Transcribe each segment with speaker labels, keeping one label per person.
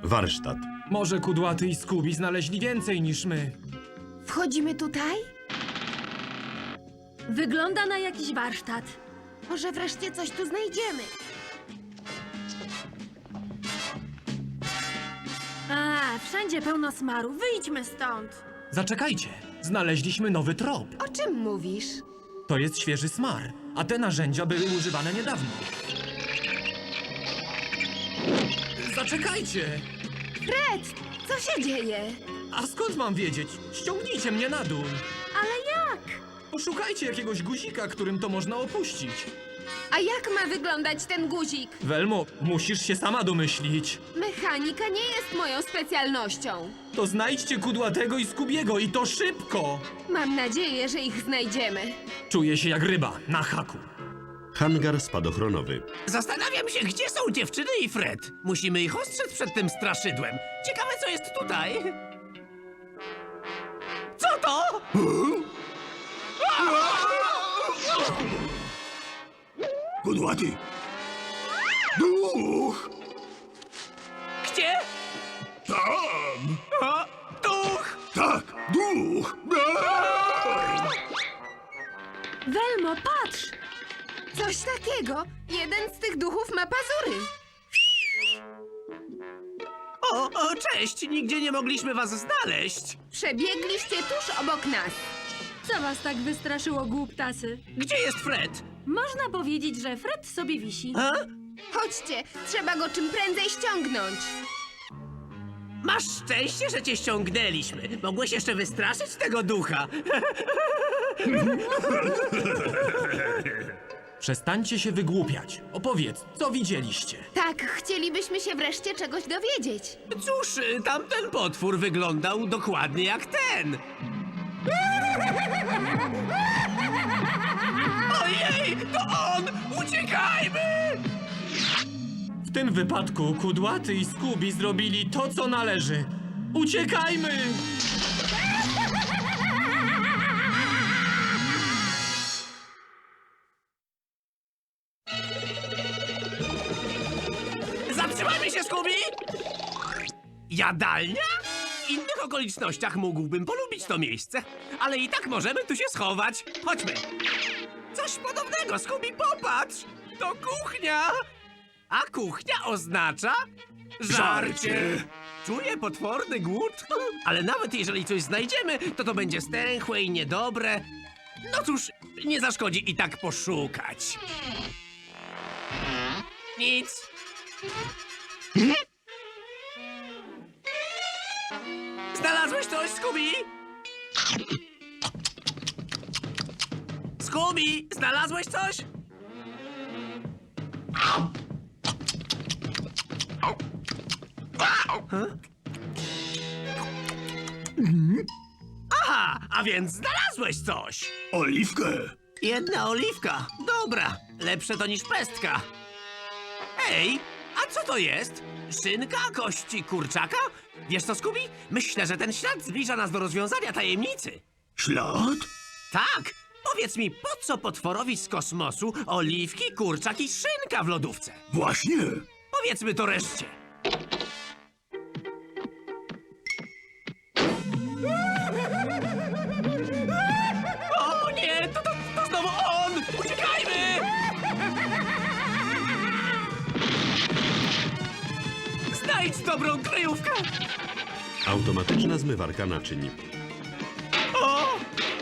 Speaker 1: Warsztat.
Speaker 2: Może Kudłaty i Scooby znaleźli więcej niż my.
Speaker 3: Wchodzimy tutaj?
Speaker 4: Wygląda na jakiś warsztat.
Speaker 3: Może wreszcie coś tu znajdziemy.
Speaker 4: Wszędzie pełno smaru. Wyjdźmy stąd.
Speaker 2: Zaczekajcie, znaleźliśmy nowy trop.
Speaker 3: O czym mówisz?
Speaker 2: To jest świeży smar, a te narzędzia były używane niedawno. Zaczekajcie!
Speaker 3: Fred, co się dzieje?
Speaker 2: A skąd mam wiedzieć? Ściągnijcie mnie na dół.
Speaker 4: Ale jak?
Speaker 2: Poszukajcie jakiegoś guzika, którym to można opuścić.
Speaker 3: A jak ma wyglądać ten guzik?
Speaker 2: Welmo, musisz się sama domyślić.
Speaker 3: Mechanika nie jest moją specjalnością.
Speaker 2: To znajdźcie Kudłatego i Scoobiego i to szybko!
Speaker 3: Mam nadzieję, że ich znajdziemy.
Speaker 2: Czuję się jak ryba, na haku.
Speaker 1: Hangar spadochronowy.
Speaker 5: Zastanawiam się, gdzie są dziewczyny i Fred. Musimy ich ostrzec przed tym straszydłem. Ciekawe, co jest tutaj. Co to?
Speaker 6: Kudłaty! Duch!
Speaker 5: Gdzie?
Speaker 6: Tam!
Speaker 5: O, duch!
Speaker 6: Tak, duch!
Speaker 4: Welmo, patrz!
Speaker 3: Coś takiego. Jeden z tych duchów ma pazury.
Speaker 5: O, cześć! Nigdzie nie mogliśmy was znaleźć.
Speaker 3: Przebiegliście tuż obok nas.
Speaker 4: Co was tak wystraszyło, głuptasy?
Speaker 5: Gdzie jest Fred?
Speaker 4: Można powiedzieć, że Fred sobie wisi.
Speaker 5: A?
Speaker 3: Chodźcie, trzeba go czym prędzej ściągnąć.
Speaker 5: Masz szczęście, że cię ściągnęliśmy. Mogłeś jeszcze wystraszyć tego ducha.
Speaker 2: Przestańcie się wygłupiać. Opowiedz, co widzieliście?
Speaker 3: Tak, chcielibyśmy się wreszcie czegoś dowiedzieć.
Speaker 5: Cóż, tamten potwór wyglądał dokładnie jak ten. Ojej, to on! Uciekajmy!
Speaker 2: W tym wypadku Kudłaty i Scooby zrobili to, co należy. Uciekajmy!
Speaker 5: Zatrzymajmy się, Scooby! Jadalnia? W innych okolicznościach mógłbym polubić to miejsce, ale i tak możemy tu się schować. Chodźmy. Coś podobnego, Scooby, popatrz! To kuchnia! A kuchnia oznacza...
Speaker 6: Żarcie!
Speaker 5: Czuję potworny głód, ale nawet jeżeli coś znajdziemy, to będzie stęchłe i niedobre. No cóż, nie zaszkodzi i tak poszukać. Nic. Znalazłeś coś, Scooby? Scooby, znalazłeś coś? Aha, a więc znalazłeś coś.
Speaker 6: Oliwkę!
Speaker 5: Jedna oliwka. Dobra, lepsze to niż pestka. Ej, a co to jest? Szynka, kości kurczaka? Wiesz co, Scooby? Myślę, że ten ślad zbliża nas do rozwiązania tajemnicy.
Speaker 6: Ślad?
Speaker 5: Tak, powiedz mi, po co potworowi z kosmosu oliwki, kurczak i szynka w lodówce?
Speaker 6: Właśnie!
Speaker 5: Powiedzmy to reszcie. O nie, to znowu on! Uciekajmy! Znajdź dobrą kryjówkę!
Speaker 1: Automatyczna zmywarka naczyń.
Speaker 5: O!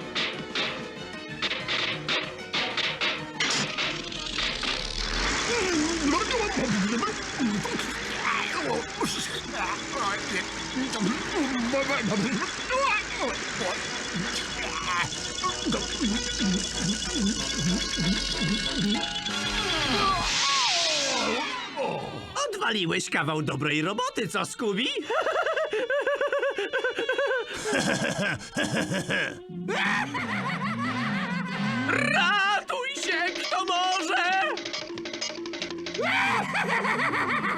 Speaker 5: Odwaliłeś kawał dobrej roboty, co, Scooby? Ratuj się, kto może!